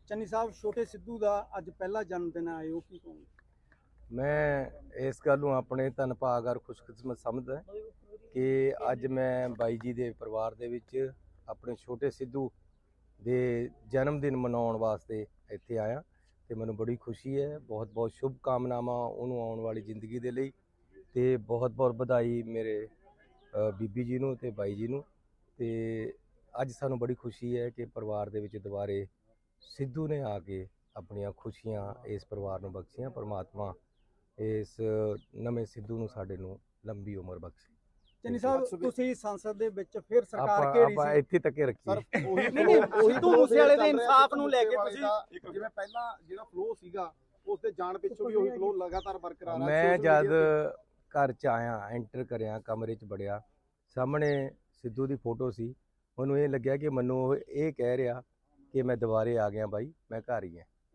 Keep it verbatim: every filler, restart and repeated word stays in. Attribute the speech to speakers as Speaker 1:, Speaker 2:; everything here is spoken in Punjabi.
Speaker 1: ਚੰਨੀ ਸਾਹਿਬ, ਛੋਟੇ ਸਿੱਧੂ ਦਾ ਅੱਜ ਪਹਿਲਾ ਜਨਮ ਦਿਨ ਆਏ ਹੋ, ਕੀ ਕਹੋਗੇ?
Speaker 2: ਮੈਂ ਇਸ ਗੱਲ ਨੂੰ ਆਪਣੇ ਧੰਨ ਭਾਗ ਔਰ ਖੁਸ਼ਕਿਸਮਤ ਸਮਝਦਾ ਕਿ ਅੱਜ ਮੈਂ ਬਾਈ ਜੀ ਦੇ ਪਰਿਵਾਰ ਦੇ ਵਿੱਚ ਆਪਣੇ ਛੋਟੇ ਸਿੱਧੂ ਦੇ ਜਨਮ ਦਿਨ ਮਨਾਉਣ ਵਾਸਤੇ ਇੱਥੇ ਆਇਆ ਤੇ ਮੈਨੂੰ ਬੜੀ ਖੁਸ਼ੀ ਹੈ। ਬਹੁਤ ਬਹੁਤ ਸ਼ੁਭ ਕਾਮਨਾਵਾਂ ਉਹਨੂੰ ਆਉਣ ਵਾਲੀ ਜ਼ਿੰਦਗੀ ਦੇ ਲਈ ਤੇ ਬਹੁਤ ਬਹੁਤ ਵਧਾਈ ਮੇਰੇ ਬੀਬੀ ਜੀ ਨੂੰ ਤੇ ਬਾਈ ਜੀ ਨੂੰ। ਤੇ ਅੱਜ ਸਾਨੂੰ ਬੜੀ ਖੁਸ਼ੀ ਹੈ ਕਿ ਪਰਿਵਾਰ ਦੇ ਵਿੱਚ ਦੁਬਾਰੇ ਸਿੱਧੂ ਨੇ ਆ ਕੇ ਆਪਣੀਆਂ ਖੁਸ਼ੀਆਂ ਇਸ ਪਰਿਵਾਰ ਨੂੰ ਬਖਸ਼ੀਆਂ। ਪਰਮਾਤਮਾ ਇਸ ਨਵੇਂ ਸਿੱਧੂ ਨੂੰ ਸਾਡੇ ਨੂੰ ਲੰਬੀ ਉਮਰ ਬਖਸ਼ੇ।
Speaker 1: ਚੰਨੀ ਸਾਹਿਬ, ਤੁਸੀਂ ਸੰਸਦ ਦੇ ਵਿੱਚ ਫਿਰ ਸਰਕਾਰ
Speaker 2: ਆਪਾਂ
Speaker 1: ਘੇਰੀ
Speaker 2: ਆਪਾਂ
Speaker 1: ਸੀ,
Speaker 2: ਇੱਥੇ ਤੱਕ ਰੱਖੀ।
Speaker 1: ਨਹੀਂ ਨਹੀਂ ਸਿੱਧੂ ਮੂਸੇਵਾਲੇ ਦੇ ਇਨਸਾਫ ਨੂੰ ਲੈ ਕੇ ਤੁਸੀਂ
Speaker 3: ਜਿਵੇਂ ਪਹਿਲਾਂ ਜਿਹੜਾ ਫਲੋ ਸੀਗਾ ਉਸ ਦੇ ਜਾਣ ਪਿੱਛੋਂ ਵੀ ਉਹੀ ਫਲੋ ਲਗਾਤਾਰ ਬਰਕਰਾਰ ਹੈ।
Speaker 2: ਮੈਂ ਜਦ ਘਰ ਚ ਆਇਆ, ਐਂਟਰ ਕਰਿਆ, ਕਮਰੇ ਚ ਵੜਿਆ, ਸਾਹਮਣੇ ਸਿੱਧੂ ਦੀ ਫੋਟੋ ਸੀ। ਮੈਨੂੰ ਇਹ ਲੱਗਿਆ ਕਿ ਮੈਨੂੰ ਇਹ ਕਹਿ ਰਿਹਾ ਕਿ ਮੈਂ ਦੁਬਾਰੇ ਆ ਗਿਆ ਬਾਈ, ਮੈਂ ਘਰ ਹੀ ਹਾਂ।